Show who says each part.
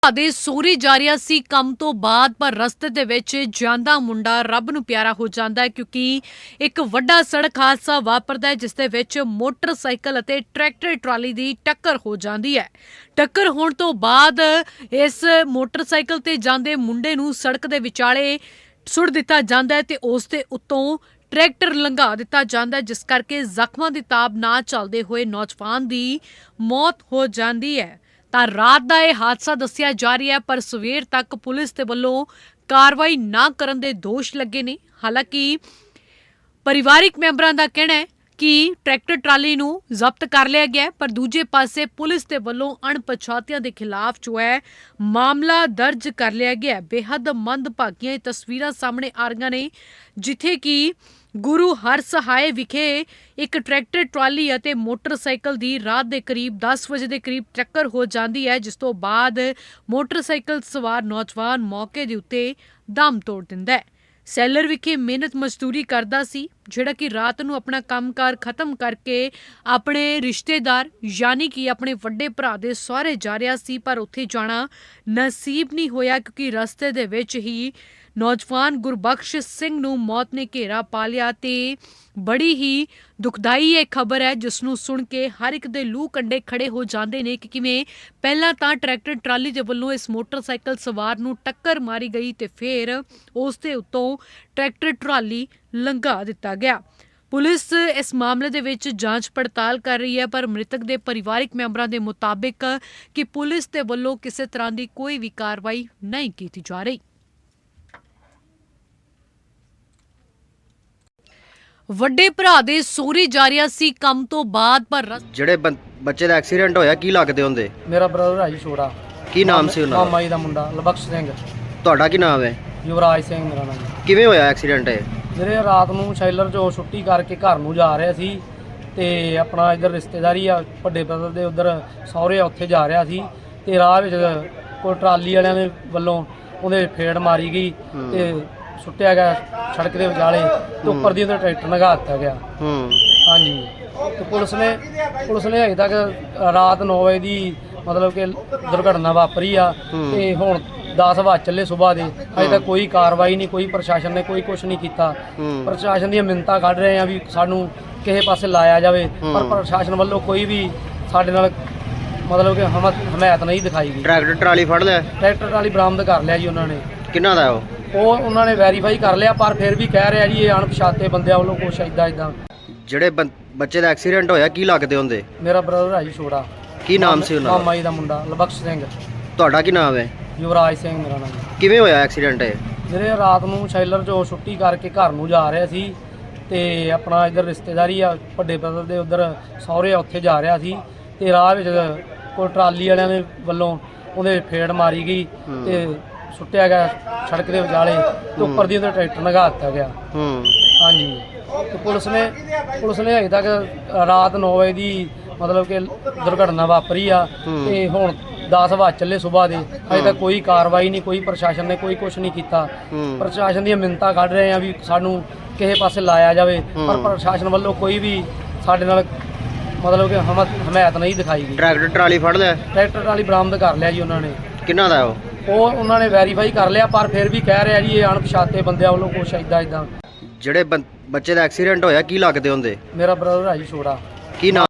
Speaker 1: ਦੇ ਸੋਰੀ ਜਾ ਰਿਹਾ ਸੀ ਕੰਮ ਤੋਂ ਬਾਅਦ ਪਰ ਰਸਤੇ ਦੇ ਵਿੱਚ ਜਾਂਦਾ ਮੁੰਡਾ ਰੱਬ ਨੂੰ ਪਿਆਰਾ ਹੋ ਜਾਂਦਾ ਹੈ ਕਿਉਂਕਿ ਇੱਕ ਵੱਡਾ ਸੜਕ ਹਾਦਸਾ ਵਾਪਰਦਾ ਹੈ ਜਿਸ ਦੇ ਵਿੱਚ ਮੋਟਰਸਾਈਕਲ ਅਤੇ ਟਰੈਕਟਰ ਟਰਾਲੀ ਦੀ ਟੱਕਰ ਹੋ ਜਾਂਦੀ ਹੈ। ਟੱਕਰ ਹੋਣ ਤੋਂ ਬਾਅਦ ਇਸ ਮੋਟਰਸਾਈਕਲ ਤੇ ਜਾਂਦੇ ਮੁੰਡੇ ਨੂੰ ਸੜਕ ਦੇ ਵਿਚਾਲੇ ਸੁੱਟ ਦਿੱਤਾ ਜਾਂਦਾ ਹੈ ਤੇ ਉਸ ਦੇ ਉੱਤੋਂ ਟਰੈਕਟਰ ਲੰਘਾ ਦਿੱਤਾ ਜਾਂਦਾ ਹੈ ਜਿਸ ਕਰਕੇ ਜ਼ਖਮਾਂ ਦੀ ਤਾਬ ਨਾ ਚੱਲਦੇ ਹੋਏ ਨੌਜਵਾਨ ਦੀ ਮੌਤ ਹੋ ਜਾਂਦੀ ਹੈ। ਤਾਂ ਰਾਤ ਦਾ ਇਹ ਹਾਦਸਾ ਦੱਸਿਆ ਜਾ ਰਿਹਾ ਹੈ ਪਰ ਸਵੇਰ ਤੱਕ ਪੁਲਿਸ ਦੇ ਵੱਲੋਂ ਕਾਰਵਾਈ ਨਾ ਕਰਨ ਦੇ ਦੋਸ਼ ਲੱਗੇ ਨੇ। ਹਾਲਾਂਕਿ ਪਰਿਵਾਰਿਕ ਮੈਂਬਰਾਂ ਦਾ ਕਹਿਣਾ ਹੈ ਕਿ ਟਰੈਕਟਰ ਟਰਾਲੀ ਨੂੰ ਜ਼ਬਤ ਕਰ ਲਿਆ ਗਿਆ ਪਰ ਦੂਜੇ ਪਾਸੇ ਪੁਲਿਸ ਦੇ ਵੱਲੋਂ ਅਣਪਛਾਤਿਆਂ ਦੇ ਖਿਲਾਫ ਜੋ ਹੈ ਮਾਮਲਾ ਦਰਜ ਕਰ ਲਿਆ ਗਿਆ। ਬੇਹੱਦ ਮੰਦਭਾਗੀਆਂ ਤਸਵੀਰਾਂ ਸਾਹਮਣੇ ਆ ਰਹੀਆਂ ਨੇ ਜਿੱਥੇ ਕਿ ਗੁਰੂ ਹਰਸਹਾਏ ਵਿਖੇ ਇੱਕ ਟਰੈਕਟਰ ਟਰਾਲੀ ਅਤੇ ਮੋਟਰਸਾਈਕਲ ਦੀ ਰਾਤ ਦੇ ਕਰੀਬ 10 ਵਜੇ ਦੇ ਕਰੀਬ ਟੱਕਰ ਹੋ ਜਾਂਦੀ ਹੈ ਜਿਸ ਤੋਂ ਬਾਅਦ ਮੋਟਰਸਾਈਕਲ ਸਵਾਰ ਨੌਜਵਾਨ ਮੌਕੇ ਦੇ ਉੱਤੇ ਦਮ ਤੋੜ ਦਿੰਦਾ ਹੈ। ਸੈਲਰ ਵਿਖੇ ਮਿਹਨਤ ਮਜ਼ਦੂਰੀ ਕਰਦਾ ਸੀ ਜਿਹੜਾ ਕਿ ਰਾਤ ਨੂੰ ਆਪਣਾ ਕੰਮਕਾਰ ਖਤਮ ਕਰਕੇ ਆਪਣੇ ਰਿਸ਼ਤੇਦਾਰ ਯਾਨੀ ਕਿ ਆਪਣੇ ਵੱਡੇ ਭਰਾ ਦੇ ਸਹੁਰੇ ਜਾ ਰਿਹਾ ਸੀ ਪਰ ਉੱਥੇ ਜਾਣਾ ਨਸੀਬ ਨਹੀਂ ਹੋਇਆ ਕਿਉਂਕਿ ਰਸਤੇ ਦੇ ਵਿੱਚ ਹੀ ਨੌਜਵਾਨ ਗੁਰਬਖਸ਼ ਸਿੰਘ ਨੂੰ ਮੌਤ ਨੇ ਘੇਰਾ ਪਾ ਲਿਆ ਤੇ ਬੜੀ ਹੀ ਦੁਖਦਾਈ ਇਹ ਖਬਰ ਹੈ ਜਿਸ ਨੂੰ ਸੁਣ ਕੇ ਹਰ ਇੱਕ ਦੇ ਲੂਹ ਕੰਡੇ ਖੜੇ ਹੋ ਜਾਂਦੇ ਨੇ ਕਿ ਕਿਵੇਂ ਪਹਿਲਾਂ ਤਾਂ ਟਰੈਕਟਰ ਟਰਾਲੀ ਦੇ ਵੱਲੋਂ ਇਸ ਮੋਟਰਸਾਈਕਲ ਸਵਾਰ ਨੂੰ ਟੱਕਰ ਮਾਰੀ ਗਈ ਤੇ ਫਿਰ ਉਸ ਦੇ ਉੱਤੋਂ ਟਰੈਕਟਰ ਟਰਾਲੀ ਲੰਘਾ ਦਿੱਤਾ ਗਿਆ। ਪੁਲਿਸ ਇਸ ਮਾਮਲੇ ਦੇ ਵਿੱਚ ਜਾਂਚ ਪੜਤਾਲ ਕਰ ਰਹੀ ਹੈ ਪਰ ਮ੍ਰਿਤਕ ਦੇ ਪਰਿਵਾਰਿਕ ਮੈਂਬਰਾਂ ਦੇ ਮੁਤਾਬਿਕ ਕਿ ਪੁਲਿਸ ਦੇ ਵੱਲੋਂ ਕਿਸੇ ਤਰ੍ਹਾਂ ਦੀ ਕੋਈ ਵੀ ਕਾਰਵਾਈ ਨਹੀਂ ਕੀਤੀ ਜਾ ਰਹੀ। ਵੱਡੇ ਭਰਾ ਦੇ ਸੋਰੀ ਜਾ ਰਿਹਾ ਸੀ ਕੰਮ ਤੋਂ ਬਾਅਦ ਪਰ
Speaker 2: ਜਿਹੜੇ ਬੱਚੇ ਦਾ ਐਕਸੀਡੈਂਟ ਹੋਇਆ ਕੀ ਲੱਗਦੇ ਹੁੰਦੇ?
Speaker 3: ਮੇਰਾ ਬ੍ਰਦਰ ਹੈ ਜੀ ਛੋੜਾ।
Speaker 2: ਕੀ ਨਾਮ ਸੀ ਉਹਨਾਂ ਦਾ?
Speaker 3: ਮਾਮਾ ਜੀ ਦਾ ਮੁੰਡਾ ਲਬਖਸ਼ ਸਿੰਘ।
Speaker 2: ਤੁਹਾਡਾ ਕੀ ਨਾਮ ਹੈ?
Speaker 3: ਯੁਵਰਾਜ ਸਿੰਘ ਮੇਰਾ ਨਾਮ।
Speaker 2: ਕਿਵੇਂ ਹੋਇਆ ਐਕਸੀਡੈਂਟ ਇਹ?
Speaker 3: ਜਿਹੜੇ ਰਾਤ ਨੂੰ ਸ਼ੈਲਰ ਚੋਂ ਛੁੱਟੀ ਕਰਕੇ ਘਰ ਨੂੰ ਜਾ ਰਿਹਾ ਸੀ ਤੇ ਆਪਣਾ ਇੱਧਰ ਰਿਸ਼ਤੇਦਾਰੀ ਆ ਵੱਡੇ ਬ੍ਰਦਰ ਦੇ ਉੱਧਰ ਸਹੁਰੇ ਉੱਥੇ ਜਾ ਰਿਹਾ ਸੀ ਤੇ ਰਾਹ ਵਿੱਚ ਕੋਈ ਟਰਾਲੀ ਵਾਲਿਆਂ ਦੇ ਵੱਲੋਂ ਉਹਦੇ ਫੇੜ ਮਾਰੀ ਗਈ ਤੇ ਸੁੱਟਿਆ ਗਿਆ ਸੜਕ ਦੇ ਵਿਚਾਲੇ ਤੇ ਉੱਪਰ ਦੀ ਉਹਦਾ ਟਰੈਕਟਰ ਲੰਘਾ ਦਿੱਤਾ ਗਿਆ। ਹਾਂਜੀ ਤੇ ਪੁਲਿਸ ਨੇ ਹਜੇ ਤੱਕ ਰਾਤ 9 ਵਜੇ ਦੀ ਮਤਲਬ ਕਿ ਦੁਰਘਟਨਾ ਵਾਪਰੀ ਆ ਤੇ ਹੁਣ 10 ਵਜੇ ਚੱਲੇ ਸਵੇਰ ਦੇ ਹਜੇ ਤੱਕ ਕੋਈ ਕਾਰਵਾਈ ਨਹੀਂ, ਕੋਈ ਪ੍ਰਸ਼ਾਸਨ ਨੇ ਕੋਈ ਕੁਝ ਨਹੀਂ ਕੀਤਾ। ਪ੍ਰਸ਼ਾਸਨ ਦੀਆਂ ਮਿੰਨਤਾਂ ਕੱਢ ਰਹੇ ਆ ਵੀ ਸਾਨੂੰ ਕਿਸੇ ਪਾਸੇ ਲਾਇਆ ਜਾਵੇ ਪਰ ਪ੍ਰਸ਼ਾਸਨ ਵੱਲੋਂ ਕੋਈ ਵੀ ਸਾਡੇ ਨਾਲ ਮਤਲਬ ਕਿ ਹਮਾਇਤ ਨਹੀਂ ਦਿਖਾਈ ਗਈ।
Speaker 2: ਟਰੈਕਟਰ ਟਰਾਲੀ ਫੜ ਲਿਆ?
Speaker 3: ਟਰੈਕਟਰ ਟਰਾਲੀ ਬਰਾਮਦ ਕਰ ਲਿਆ ਜੀ ਉਹਨਾਂ ਨੇ।
Speaker 2: ਕਿੰਨਾ ਦਾ ਉਹ
Speaker 3: ਉਹਨਾਂ ਨੇ ਵੈਰੀਫਾਈ ਕਰ ਲਿਆ ਪਰ ਫਿਰ ਵੀ ਕਹਿ ਰਿਹਾ ਜੀ ਇਹ ਅਣਪਛਾਤੇ ਬੰਦਿਆਂ ਵੱਲੋਂ ਕੁਛ ਇਦਾਂ।
Speaker 2: ਜਿਹੜੇ ਬੱਚੇ ਦਾ ਐਕਸੀਡੈਂਟ ਹੋਇਆ ਕੀ ਲੱਗਦੇ ਹੁੰਦੇ?
Speaker 3: ਮੇਰਾ ਬ੍ਰਦਰ ਹੈ ਜੀ ਛੋੜਾ।
Speaker 2: ਕੀ ਨਾਮ ਸੀ ਉਹਨਾਂ ਦਾ?
Speaker 3: ਮਾਮਾ ਜੀ ਦਾ ਮੁੰਡਾ ਲਬਖਸ਼ ਸਿੰਘ।
Speaker 2: ਤੁਹਾਡਾ ਕੀ ਨਾਮ ਹੈ?
Speaker 3: ਯੁਵਰਾਜ ਸਿੰਘ ਮੇਰਾ ਨਾਮ।
Speaker 2: ਕਿਵੇਂ ਹੋਇਆ ਐਕਸੀਡੈਂਟ ਇਹ?
Speaker 3: ਜਿਹੜੇ ਰਾਤ ਨੂੰ ਸ਼ੈਲਰ ਚੋਂ ਛੁੱਟੀ ਕਰਕੇ ਘਰ ਨੂੰ ਜਾ ਰਿਹਾ ਸੀ ਤੇ ਆਪਣਾ ਇੱਧਰ ਰਿਸ਼ਤੇਦਾਰੀ ਆ ਵੱਡੇ ਬ੍ਰਦਰ ਦੇ ਉੱਧਰ ਸਹੁਰੇ ਉੱਥੇ ਜਾ ਰਿਹਾ ਸੀ ਤੇ ਰਾਹ ਵਿੱਚ ਕੋਈ ਟਰਾਲੀ ਵਾਲਿਆਂ ਦੇ ਵੱਲੋਂ ਉਹਦੇ ਫੇੜ ਮਾਰੀ ਗਈ ਤੇ ਸੁੱਟਿਆ ਗਿਆ ਸੜਕ ਦੇ ਵਿਚਾਲੇ ਤੇ ਉੱਪਰ ਦੀ ਉਹਦਾ ਟਰੈਕਟਰ ਲੰਘਾ ਦਿੱਤਾ ਗਿਆ। ਹਾਂਜੀ ਤੇ ਪੁਲਿਸ ਨੇ ਹਜੇ ਤੱਕ ਰਾਤ 9 ਵਜੇ ਦੀ ਮਤਲਬ ਕਿ ਦੁਰਘਟਨਾ ਵਾਪਰੀ ਆ ਤੇ ਹੁਣ 10 ਵਜੇ ਚੱਲੇ ਸਵੇਰ ਦੇ ਹਜੇ ਤੱਕ ਕੋਈ ਕਾਰਵਾਈ ਨਹੀਂ, ਕੋਈ ਪ੍ਰਸ਼ਾਸਨ ਨੇ ਕੋਈ ਕੁਝ ਨਹੀਂ ਕੀਤਾ। ਪ੍ਰਸ਼ਾਸਨ ਦੀਆਂ ਮਿੰਨਤਾਂ ਕੱਢ ਰਹੇ ਆ ਵੀ ਸਾਨੂੰ ਕਿਸੇ ਪਾਸੇ ਲਾਇਆ ਜਾਵੇ ਪਰ ਪ੍ਰਸ਼ਾਸਨ ਵੱਲੋਂ ਕੋਈ ਵੀ ਸਾਡੇ ਨਾਲ ਮਤਲਬ ਕਿ ਹਮਾਇਤ ਨਹੀਂ ਦਿਖਾਈ ਗਈ।
Speaker 2: ਟਰੈਕਟਰ ਟਰਾਲੀ ਫੜ ਲਿਆ?
Speaker 3: ਟਰੈਕਟਰ ਟਰਾਲੀ ਬਰਾਮਦ ਕਰ ਲਿਆ ਜੀ ਉਹਨਾਂ ਨੇ।
Speaker 2: ਕਿੰਨਾ ਦਾ ਉਹ?
Speaker 3: ਉਹਨਾਂ ਨੇ ਵੈਰੀਫਾਈ ਕਰ ਲਿਆ ਪਰ ਫਿਰ ਵੀ ਕਹਿ ਰਿਹਾ ਜੀ ਇਹ ਅਣਪਛਾਤੇ ਬੰਦਿਆਂ ਵੱਲੋਂ ਕੁਛ ਇਦਾਂ।
Speaker 2: ਜਿਹੜੇ ਬੱਚੇ ਦਾ ਐਕਸੀਡੈਂਟ ਹੋਇਆ ਕੀ ਲੱਗਦੇ ਹੁੰਦੇ?
Speaker 3: ਮੇਰਾ ਬ੍ਰਦਰ ਹੈ ਜੀ ਛੋੜਾ।
Speaker 2: ਕੀ ਨਾਮ?